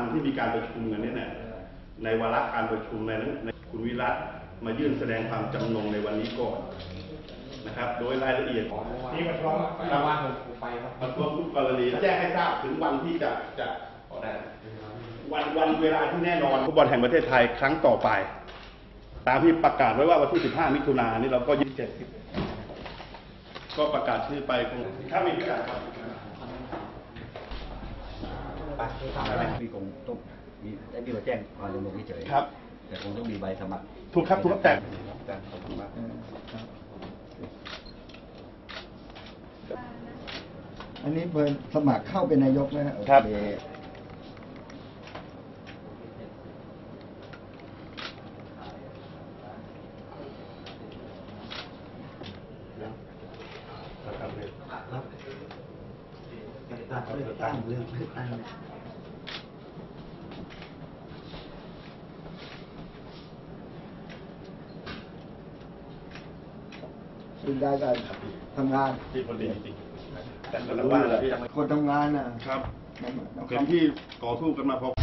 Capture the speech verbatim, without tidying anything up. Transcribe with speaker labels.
Speaker 1: ที่มีการประชุมกันนี่เนี่ยในวาระการประชุมในในคุณวิรัตมายื่นแสดงความจำนงในวันนี้ก่อนนะครับโดยรายละเอียดของ
Speaker 2: นี่มันร้องแต่ว่าผมไปครับ
Speaker 1: มันรวมทุกกรณีแจ้งให้ทราบถึงวันที่จะจะวันวันเวลาที่แน่นอนฟุตบอลแห่งประเทศไทยครั้งต่อไปตามที่ประกาศไว้ว่าวันที่สิบห้ามิถุนายนนี้เราก็ยี่สิบเจ็ดก็ประกาศชื่อไปคงถ้ามีประกาศครับ
Speaker 3: มีคงต้องมีได้มีมาแจ้งความจำนงเฉย
Speaker 1: ครับ
Speaker 3: แต่คงต้องมีใบสมัคร
Speaker 1: ถูกครับถูกครับแต่
Speaker 4: อันนี้เพิ่นสมัครเข้าเป็นนายกนะค
Speaker 1: รั
Speaker 4: บ
Speaker 3: ครับตัดเลือกตั้งเรื่องเลือกตั้ง
Speaker 4: ซึ่งได้การทำงาน
Speaker 1: ที่คนดีจริงๆแต่ก็แล้วว่า
Speaker 4: คนทำงานน่ะ
Speaker 1: ครับเป็นที่ต่อสู้กันมาพอ